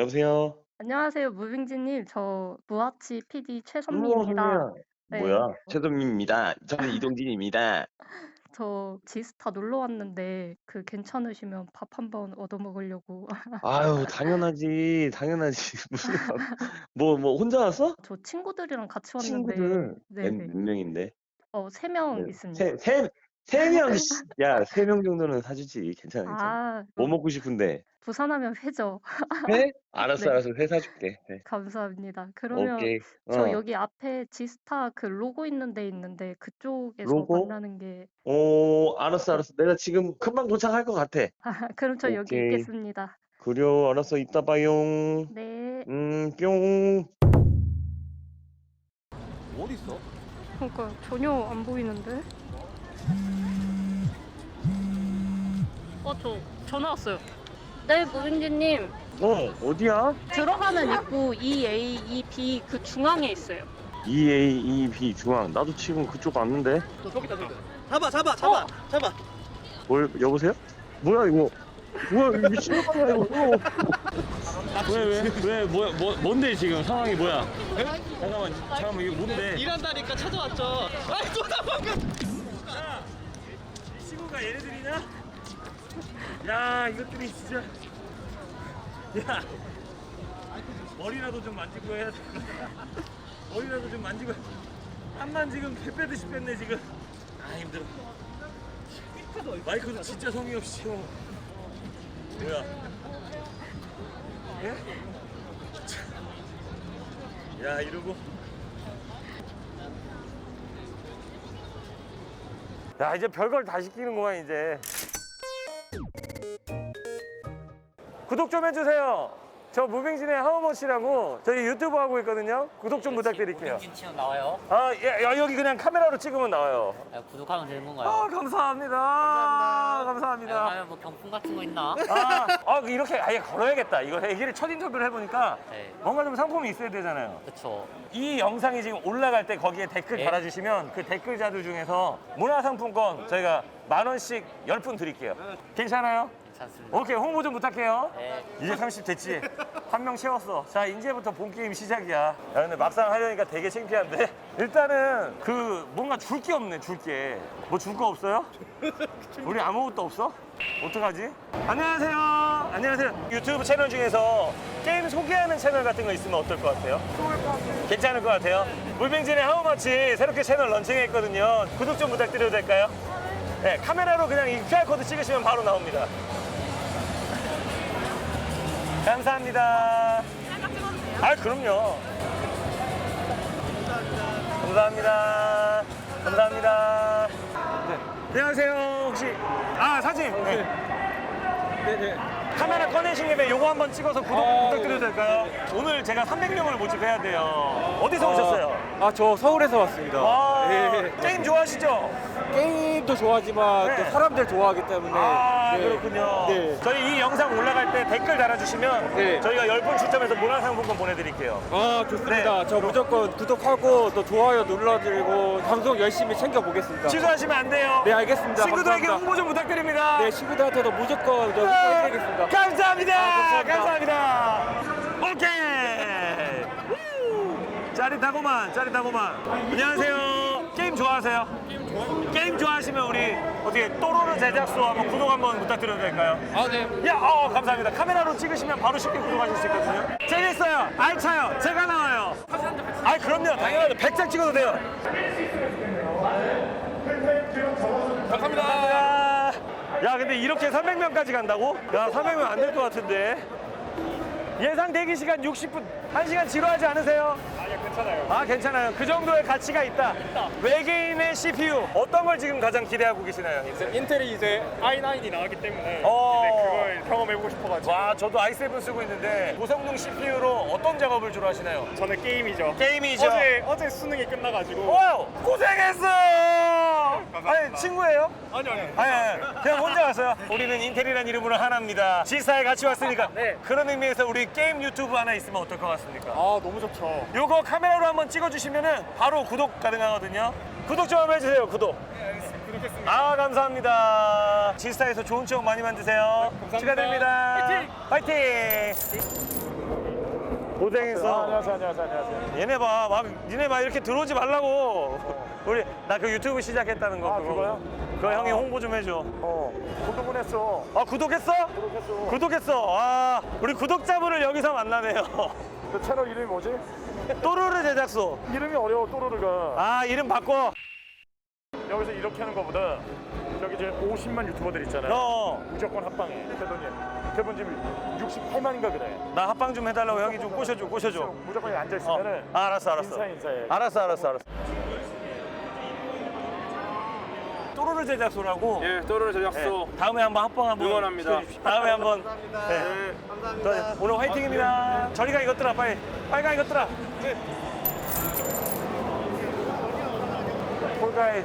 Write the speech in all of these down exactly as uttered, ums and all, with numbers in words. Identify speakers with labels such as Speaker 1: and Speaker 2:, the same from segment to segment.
Speaker 1: 여보세요?
Speaker 2: 안녕하세요, 무빙지님. 저 무아치 피디
Speaker 1: 어머,
Speaker 2: 최선미입니다.
Speaker 1: 선미야.
Speaker 2: 네.
Speaker 1: 뭐야? 최선미입니다. 저는 이동진입니다.
Speaker 2: 저 지스타 놀러 왔는데 그 괜찮으시면 밥 한번 얻어 먹으려고.
Speaker 1: 아유, 당연하지. 당연하지. 무슨 밥. 뭐, 뭐, 혼자 왔어?
Speaker 2: 저 친구들이랑 같이 왔는데,
Speaker 1: 친구들. 몇,
Speaker 2: 네네.
Speaker 1: 몇 명인데?
Speaker 2: 어, 세 명
Speaker 1: 네.
Speaker 2: 있습니다.
Speaker 1: 세, 세, 세 명, 씨. 야, 세 명 정도는 사주지. 괜찮아, 괜찮아.
Speaker 2: 아,
Speaker 1: 뭐
Speaker 2: 뭐,
Speaker 1: 먹고 싶은데?
Speaker 2: 부산하면 회죠.
Speaker 1: 회? 알았어,
Speaker 2: 네,
Speaker 1: 알았어. 회 사줄게. 회.
Speaker 2: 감사합니다. 그러면
Speaker 1: 오케이.
Speaker 2: 저
Speaker 1: 어.
Speaker 2: 여기 앞에 지스타 그 로고 있는 데 있는데 그쪽에서
Speaker 1: 로고?
Speaker 2: 만나는 게,
Speaker 1: 오, 알았어, 알았어. 내가 지금 금방 도착할 것 같아.
Speaker 2: 그럼 저 여기
Speaker 1: 오케이.
Speaker 2: 있겠습니다.
Speaker 1: 그려, 알았어. 이따 봐용.
Speaker 2: 네.
Speaker 1: 음, 뿅.
Speaker 3: 어디 있어?
Speaker 2: 그러니까 전혀 안 보이는데? 어, 저 전화 왔어요. 네, 무빙지님.
Speaker 1: 어, 어디야?
Speaker 2: 들어가는 입구 이 에이, 이 비 그 중앙에 있어요.
Speaker 1: 이 에이, 이 비 중앙. 나도 지금 그쪽 왔는데.
Speaker 3: 저기 있다, 저기 있다. 잡아, 잡아, 잡아,
Speaker 2: 어.
Speaker 3: 잡아.
Speaker 1: 뭘, 여보세요? 뭐야, 이거? 뭐야, 이거 미친놈이야, 이거. 왜, 왜, 왜, 뭐, 뭐, 뭔데, 지금 상황이 뭐야? 잠깐만, 잠깐만, 이게 뭔데?
Speaker 3: 일한다니까 찾아왔죠. 아이, 또 도망가.
Speaker 1: 야, 이 친구가 얘네들이냐? 야, 이것들이 진짜. 야, 머리라도 좀 만지고 해야 돼. 머리라도 좀 만지고. 한만 지금 배 빼듯이 뺐네, 지금. 아, 힘들어. 마이크도 진짜 성의 없이 쳐. 뭐야? 예? 야, 이러고. 야, 이제 별걸 다 시키는구만, 이제. 구독 좀 해주세요. 저 무빙진의 하우머치라고 저희 유튜브 하고 있거든요. 구독 좀 부탁드릴게요.
Speaker 4: 무빙진 치면 나와요?
Speaker 1: 아, 예, 야, 여기 그냥 카메라로 찍으면 나와요.
Speaker 4: 아, 구독하면 되는 건가요?
Speaker 1: 아, 감사합니다. 감사합니다. 감사합니다.
Speaker 4: 아니면 뭐 경품 같은 거 있나?
Speaker 1: 아, 아, 이렇게 아예 걸어야겠다. 이거 얘기를 첫 인터뷰를 해보니까
Speaker 4: 네.
Speaker 1: 뭔가 좀 상품이 있어야 되잖아요.
Speaker 4: 그쵸.
Speaker 1: 이 영상이 지금 올라갈 때 거기에 댓글
Speaker 4: 네.
Speaker 1: 달아주시면 그 댓글자들 중에서 문화상품권 저희가 만 원씩 열 분 드릴게요. 괜찮아요?
Speaker 4: 괜찮습니다.
Speaker 1: 오케이, 홍보 좀 부탁해요.
Speaker 4: 네.
Speaker 1: 이제 삼십 됐지? 한 명 채웠어. 자, 이제부터 본 게임 시작이야. 야, 근데 막상 하려니까 되게 창피한데? 일단은 그 뭔가 줄 게 없네, 줄 게. 뭐 줄 거 없어요? 우리 아무것도 없어? 어떡하지? 안녕하세요. 안녕하세요. 유튜브 채널 중에서 게임 소개하는 채널 같은 거 있으면 어떨 것 같아요? 좋을 것 같아요. 괜찮을 것 같아요? 물빙진의 하우마치 새롭게 채널 런칭했거든요. 구독 좀 부탁드려도 될까요? 네, 카메라로 그냥 이 큐알코드 찍으시면 바로 나옵니다. 감사합니다. 아, 그럼요. 감사합니다. 감사합니다. 네. 안녕하세요. 혹시 아, 사진. 네.
Speaker 3: 네네.
Speaker 1: 카메라 꺼내신 김에 요거 한번 찍어서 구독
Speaker 3: 아,
Speaker 1: 부탁드려도 될까요? 오늘 제가 삼백 명을 모집해야 돼요. 어디서 오셨어요?
Speaker 3: 아, 저 서울에서 왔습니다.
Speaker 1: 와,
Speaker 3: 네.
Speaker 1: 게임 좋아하시죠?
Speaker 3: 게임도 좋아하지만
Speaker 1: 네.
Speaker 3: 또 사람들 좋아하기 때문에.
Speaker 1: 아,
Speaker 3: 네.
Speaker 1: 그렇군요.
Speaker 3: 네.
Speaker 1: 저희 이 영상 올라갈 때 댓글 달아주시면
Speaker 3: 네.
Speaker 1: 저희가 열 분 추첨해서 문화상품권 보내드릴게요.
Speaker 3: 아, 좋습니다.
Speaker 1: 네.
Speaker 3: 저 무조건 구독하고 또 좋아요 눌러드리고 방송 열심히 챙겨보겠습니다.
Speaker 1: 취소하시면 안 돼요.
Speaker 3: 네, 알겠습니다.
Speaker 1: 친구들에게
Speaker 3: 감사합니다.
Speaker 1: 홍보 좀 부탁드립니다.
Speaker 3: 네, 친구들한테도 무조건 저 후원해드리겠습니다.
Speaker 1: 감사합니다.
Speaker 3: 아,
Speaker 1: 감사합니다.
Speaker 3: 감사합니다.
Speaker 1: 오케이. 우! 짜릿하고만, 짜릿하고만. 안녕하세요. 게임 좋아하세요? 게임 좋아. 게임 좋아하시면 우리 어떻게 또로르 제작소 한번 구독 한번 부탁드려도 될까요?
Speaker 3: 아, 네.
Speaker 1: 야, 어, 감사합니다. 카메라로 찍으시면 바로 쉽게 구독하실 수 있거든요. 재밌어요. 알차요. 제가 나와요. 아, 그럼요. 당연하죠. 백 장 찍어도 돼요. 감사합니다. 야, 근데 이렇게 삼백 명까지 간다고? 야, 삼백 명 안 될 것 같은데. 예상 대기 시간 육십 분, 한 시간 지루하지 않으세요? 아니요, 괜찮아요. 아, 괜찮아요. 그 정도의 가치가 있다. 있다. 외계인의 씨피유, 어떤 걸 지금 가장 기대하고 계시나요?
Speaker 5: 인텔이 이제 아이 나인이 나왔기 때문에
Speaker 1: 어.
Speaker 5: 이제 그걸 경험해보고 싶어가지고
Speaker 1: 와, 저도 아이 세븐 쓰고 있는데 고성능 씨피유로 어떤 작업을 주로 하시나요?
Speaker 5: 저는 게임이죠.
Speaker 1: 게임이죠.
Speaker 5: 어제 어제 수능이 끝나가지고
Speaker 1: 와우, 고생했어.
Speaker 5: 감사합니다.
Speaker 1: 아니, 친구예요?
Speaker 5: 아니 아니
Speaker 1: 아니, 아니, 그냥 혼자 왔어요. 우리는 인텔이라는 이름으로 하나입니다. 지사에 같이 왔으니까.
Speaker 5: 네.
Speaker 1: 그런 의미에서 우리 게임 유튜브 하나 있으면 어떨 것 같습니까?
Speaker 5: 아 너무 좋죠.
Speaker 1: 요거 카메라로 한번 찍어주시면은 바로 구독 가능하거든요. 구독 좀 한번 해주세요. 구독.
Speaker 5: 네 알겠습니다. 구독했습니다.
Speaker 1: 아, 감사합니다. 지스타에서 좋은 추억 많이 만드세요.
Speaker 5: 감사합니다.
Speaker 1: 축하드립니다. 파이팅! 파이팅! 고생했어.
Speaker 5: 아, 안녕하세요, 안녕하세요, 안녕하세요.
Speaker 1: 얘네 봐, 막 니네 막 이렇게 들어오지 말라고. 우리 나 그 유튜브 시작했다는 거.
Speaker 5: 아,
Speaker 1: 그거.
Speaker 5: 그거요?
Speaker 1: 그거 형이 홍보 좀 해줘.
Speaker 5: 어, 구독은 했어.
Speaker 1: 아 구독했어?
Speaker 5: 구독했어.
Speaker 1: 구독했어. 아 우리 구독자분을 여기서 만나네요.
Speaker 5: 그 채널 이름이 뭐지?
Speaker 1: 또르르 제작소.
Speaker 5: 이름이 어려워, 또르르가.
Speaker 1: 아 이름 바꿔.
Speaker 5: 여기서 이렇게 하는 거보다 저기 이제 오십만 유튜버들 있잖아요.
Speaker 1: 어.
Speaker 5: 무조건 합방해. 대표님, 대본 지금 육십팔만인가 그래.
Speaker 1: 나 합방 좀 해달라고 형이 좀 꼬셔줘, 꼬셔줘.
Speaker 5: 무조건 여기 앉아
Speaker 1: 어.
Speaker 5: 있으면은
Speaker 1: 아, 알았어, 알았어.
Speaker 5: 인사 인사해.
Speaker 1: 알았어, 알았어, 알았어. 또르르 제작소라고.
Speaker 3: 예, 또르르 제작소.
Speaker 1: 네, 다음에 한번 합방 한번
Speaker 3: 응원합니다.
Speaker 1: 시켜주십시오. 다음에 한번. 감사합니다. 네.
Speaker 3: 네.
Speaker 1: 감사합니다. 오늘 화이팅입니다. 저리가 이것들아 빨리. 빨리 가 이것들아. 네. 폴가이.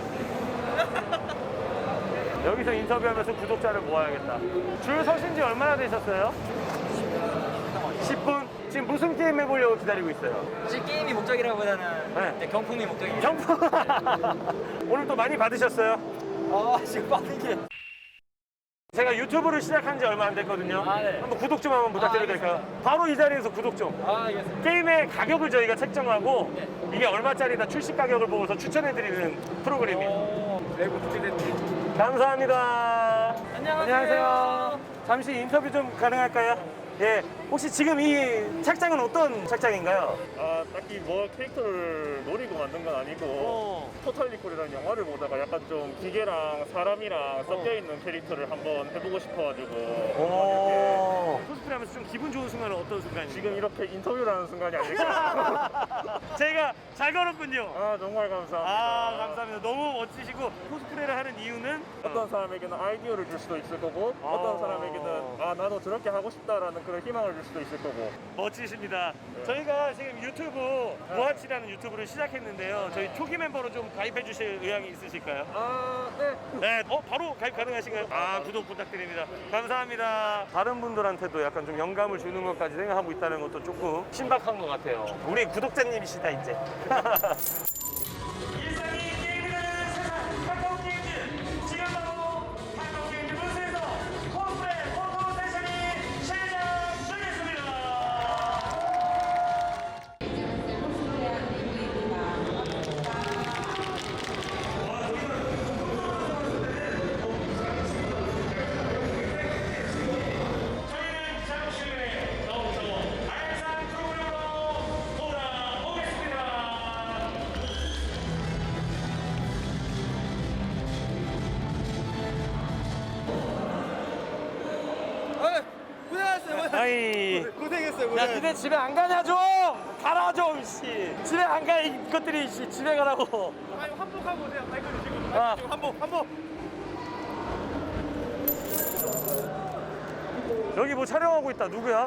Speaker 1: 여기서 인터뷰하면서 구독자를 모아야겠다. 줄 서신 지 얼마나 되셨어요? 십 분? 지금 무슨 게임 해보려고 기다리고 있어요?
Speaker 6: 사실 게임이 목적이라기보다는
Speaker 1: 네.
Speaker 6: 이제 경품이 목적이에요.
Speaker 1: 경품! 오늘 또 많이 받으셨어요?
Speaker 6: 아 지금 받는 게
Speaker 1: 제가 유튜브를 시작한 지 얼마 안 됐거든요.
Speaker 6: 아, 네.
Speaker 1: 한번 구독 좀 한번 부탁드려도
Speaker 6: 아,
Speaker 1: 될까요? 바로 이 자리에서 구독 좀.
Speaker 6: 아 알겠습니다.
Speaker 1: 게임의 가격을 저희가 책정하고 이게 얼마짜리다 출시 가격을 보고서 추천해드리는 프로그램이에요.
Speaker 6: 외국 부탁드립니다.
Speaker 1: 감사합니다.
Speaker 6: 안녕하세요.
Speaker 1: 안녕하세요. 잠시 인터뷰 좀 가능할까요? 예. 혹시 지금 이 책장은 어떤 책장인가요?
Speaker 5: 아, 딱히 뭐 캐릭터를 노리고 만든 건 아니고
Speaker 1: 어.
Speaker 5: 토탈 리콜이라는 영화를 보다가 약간 좀 기계랑 사람이랑 섞여 있는 캐릭터를 한번 해보고 싶어가지고
Speaker 1: 오. 코스프레 하면서 좀 기분 좋은 순간은 어떤 순간이에요?
Speaker 5: 지금 이렇게 인터뷰를 하는 순간이 아닐까.
Speaker 1: 제가 잘 걸었군요.
Speaker 5: 아, 정말 감사합니다.
Speaker 1: 아, 감사합니다. 너무 멋지시고 코스프레를 하는 이유는
Speaker 5: 어떤 사람에게는 아이디어를 줄 수도 있을 거고 어떤
Speaker 1: 아.
Speaker 5: 사람에게는 아, 나도 저렇게 하고 싶다라는 그런 희망을 줄 수도 있을 거고.
Speaker 1: 멋지십니다. 저희가 지금 유튜브 모아치라는 유튜브를 시작했는데요. 저희 초기 멤버로 좀 가입해 주실 의향이 있으실까요?
Speaker 5: 아, 네.
Speaker 1: 네, 어 바로 가입 가능하신가요? 아 구독 부탁드립니다. 감사합니다. 다른 분들한테도 약간 좀 영감을 주는 것까지 생각하고 있다는 것도 조금 신박한 것 같아요. 우리 구독자님이시다 이제. 일상이 게임이라는 세상 카카오 게임즈 지금 바로 카카오 게임즈 부스에서 코스프레 포토 세션이 시작되겠습니다. 저희는 잠시 너무 알찬 프로그램으로 돌아오겠습니다.
Speaker 6: 고생하셨어요.
Speaker 1: 아이.
Speaker 6: 고생했어요.
Speaker 1: 야, 니네 집에 안 가냐 좀! 가라 좀, 씨! 집에 안 가, 이것들이, 씨! 집에 가라고!
Speaker 5: 아니, 한복하고 오세요. 마이크 주시고.
Speaker 1: 아,
Speaker 5: 한복, 한복.
Speaker 1: 여기 뭐 촬영하고 있다, 누구야?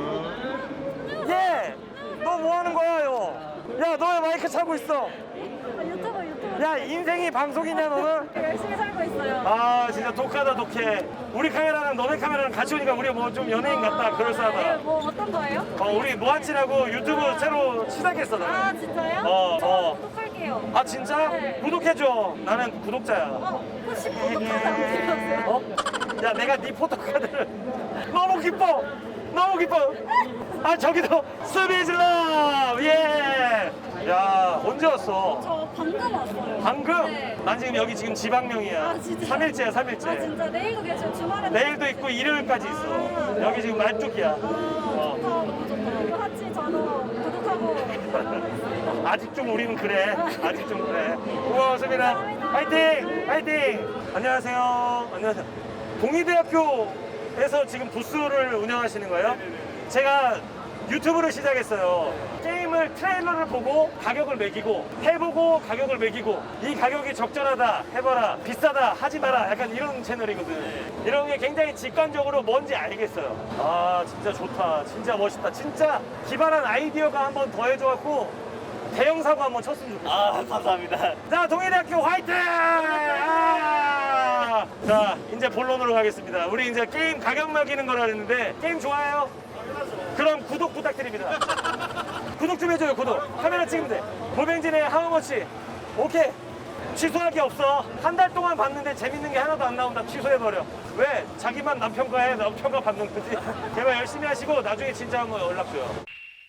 Speaker 1: 얘! 너 뭐 하는 거야, 요? 야, 너 왜 마이크 차고 있어?
Speaker 2: 유튜버 유튜버
Speaker 1: 야, 인생이 방송이냐, 너는?
Speaker 2: 열심히 살고 있어요.
Speaker 1: 아, 진짜 독하다, 독해. 우리 카메라랑 너네 카메라랑 같이 오니까 우리 뭐 좀 연예인 같다, 그럴싸하다.
Speaker 2: 뭐 어떤 거예요?
Speaker 1: 어, 우리 모아치라고 유튜브 새로 시작했어,
Speaker 2: 아
Speaker 1: 나는.
Speaker 2: 진짜요?
Speaker 1: 어,
Speaker 2: 저
Speaker 1: 어.
Speaker 2: 구독할게요.
Speaker 1: 아, 진짜?
Speaker 2: 네.
Speaker 1: 구독해줘. 나는 구독자야.
Speaker 2: 어, 혹시 구독하지 않으셨어요?
Speaker 1: 어? 야, 내가 네 포토카드를 너무 기뻐. 너무 기뻐. 아, 저기도 스비즐러. 예. 야, 언제 왔어?
Speaker 2: 저 방금 왔어요.
Speaker 1: 방금?
Speaker 2: 네.
Speaker 1: 난 지금 여기 지금 지방령이야.
Speaker 2: 아, 진짜?
Speaker 1: 삼 일째야, 삼 일째.
Speaker 2: 아 진짜 내일도 계셔 주말에
Speaker 1: 내일도 있고 일요일까지 있어.
Speaker 2: 아.
Speaker 1: 여기 지금 말뚝이야.
Speaker 2: 아 좋다 너무 좋다. 이거 같이 저도 구독하고 있습니다.
Speaker 1: 아직 좀 우리는 그래. 아직 좀 그래. 고마웠습니다. 화이팅! 화이팅! 안녕하세요. 안녕하세요. 동의대학교에서 지금 부스를 운영하시는 거예요? 제가 유튜브를 시작했어요. 게임을 트레일러를 보고 가격을 매기고 해보고 가격을 매기고 이 가격이 적절하다 해봐라 비싸다 하지 마라 약간 이런 채널이거든. 이런 게 굉장히 직관적으로 뭔지 알겠어요. 아 진짜 좋다. 진짜 멋있다. 진짜 기발한 아이디어가 한 번 더해줘갖고 대형 사고 한번 쳤으면 좋겠어. 아 감사합니다. 자 동해대학교 화이팅! 아! 자 이제 본론으로 가겠습니다. 우리 이제 게임 가격 매기는 거라 했는데 게임 좋아해요? 그럼 구독 부탁드립니다. 구독 좀 해줘요. 구독. 카메라 찍으면 돼. 고병진의 하우머치. 오케이. 취소할 게 없어. 한 달 동안 봤는데 재밌는 게 하나도 안 나온다. 취소해버려. 왜? 자기만 남편과해. 남편과 받는 거지. 제발 열심히 하시고 나중에 진짜 한번 연락 줘요.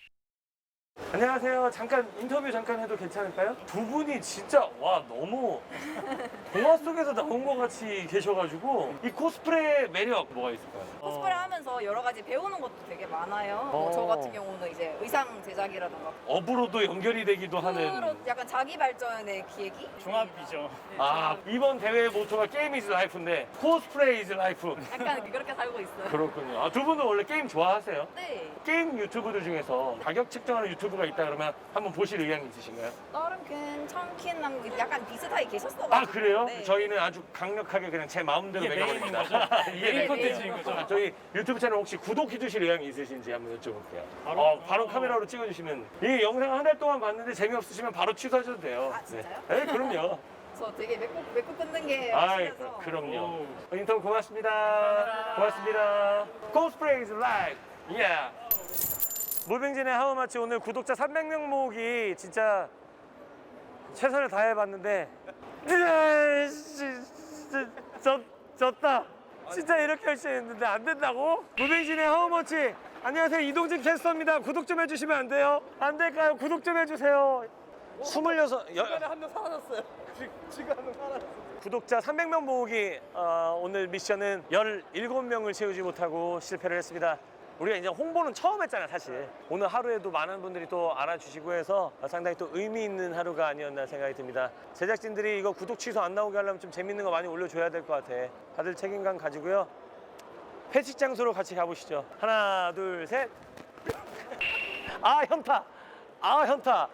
Speaker 1: 안녕하세요. 잠깐 인터뷰 잠깐 해도 괜찮을까요? 두 분이 진짜 와 너무 동화 속에서 나온 것 같이 계셔가지고 이 코스프레 매력 뭐가 있을까요?
Speaker 7: 코스프레 하면서 여러 가지 배우는 것도 되게 많아요. 뭐 저
Speaker 1: 어.
Speaker 7: 같은 경우는 이제 의상 제작이라던가
Speaker 1: 업으로도 연결이 되기도
Speaker 7: 프로
Speaker 1: 하는.
Speaker 7: 약간 자기 발전의 기획이
Speaker 5: 종합이죠.
Speaker 1: 아 이번 대회 모토가 게임 이즈 라이프인데 코스프레 이즈 라이프.
Speaker 7: 약간 그렇게 살고 있어요.
Speaker 1: 그렇군요. 아, 두 분은 원래 게임 좋아하세요?
Speaker 7: 네.
Speaker 1: 게임 유튜브들 중에서 가격 측정하는 유튜브가 있다 그러면 한번 보실 의향이 있으신가요?
Speaker 7: 다른 괜찮긴 한 게 약간 비슷하게 계셨어.
Speaker 1: 아 그래요?
Speaker 7: 네.
Speaker 1: 저희는 아주 강력하게 그냥 제 마음대로
Speaker 5: 이게 메인인
Speaker 1: 매겨버립니다.
Speaker 5: 거죠?
Speaker 1: 이게
Speaker 5: 메인
Speaker 1: 메인
Speaker 5: 콘텐츠인 거죠?
Speaker 1: 아, 저희 유튜브 채널 혹시 구독해 주실 의향이 있으신지 한번 여쭤볼게요.
Speaker 5: 바로?
Speaker 1: 어, 바로 카메라로 찍어주시면 이 영상 한 달 동안 봤는데 재미없으시면 바로 취소하셔도 돼요.
Speaker 7: 아, 진짜요?
Speaker 1: 네, 네 그럼요.
Speaker 7: 저 되게 맺고 맺고 끊는 게
Speaker 1: 아이,
Speaker 7: 확실해서.
Speaker 1: 그럼요. 인턴 고맙습니다. 고맙습니다. 코스프레 is life. Yeah. 무빙진의 하우마치 오늘 구독자 삼백 명 모으기 진짜 최선을 다해봤는데 으아, 씨, 씨, 졌, 졌다. 진짜 이렇게 열심히 했는데 안 된다고? 무빙진의 하우마치 안녕하세요. 이동진 캐스터입니다. 구독 좀 해주시면 안 돼요? 안 될까요? 구독 좀 해주세요. 스물여섯 여-
Speaker 6: 한명 사라졌어요. 지금 한 명 사라졌어.
Speaker 1: 구독자 삼백 명 모으기 어, 오늘 미션은 열일곱 명을 채우지 못하고 실패를 했습니다. 우리가 이제 홍보는 처음 했잖아요, 사실. 오늘 하루에도 많은 분들이 또 알아주시고 해서 상당히 또 의미 있는 하루가 아니었나 생각이 듭니다. 제작진들이 이거 구독 취소 안 나오게 하려면 좀 재밌는 거 많이 올려줘야 될 것 같아. 다들 책임감 가지고요. 회식 장소로 같이 가보시죠. 하나, 둘, 셋. 아, 현타. 아, 현타.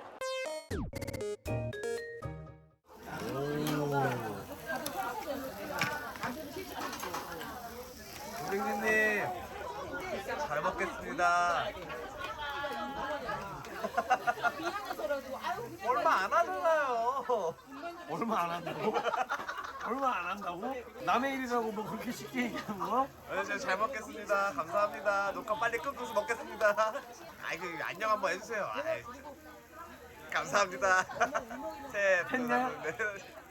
Speaker 8: 선생님 잘 먹겠습니다. 얼마 안 하잖아요.
Speaker 1: 얼마 안 한다고? 얼마 안 한다고? 남의 일이라고 뭐 그렇게 쉽게 얘기하는 거야?
Speaker 8: 네, 제가 잘 먹겠습니다. 감사합니다. 녹화 빨리 끊고서 먹겠습니다. 아이고 안녕 한번 해주세요. 아이, 감사합니다. 셋.
Speaker 1: 했냐?
Speaker 8: 네.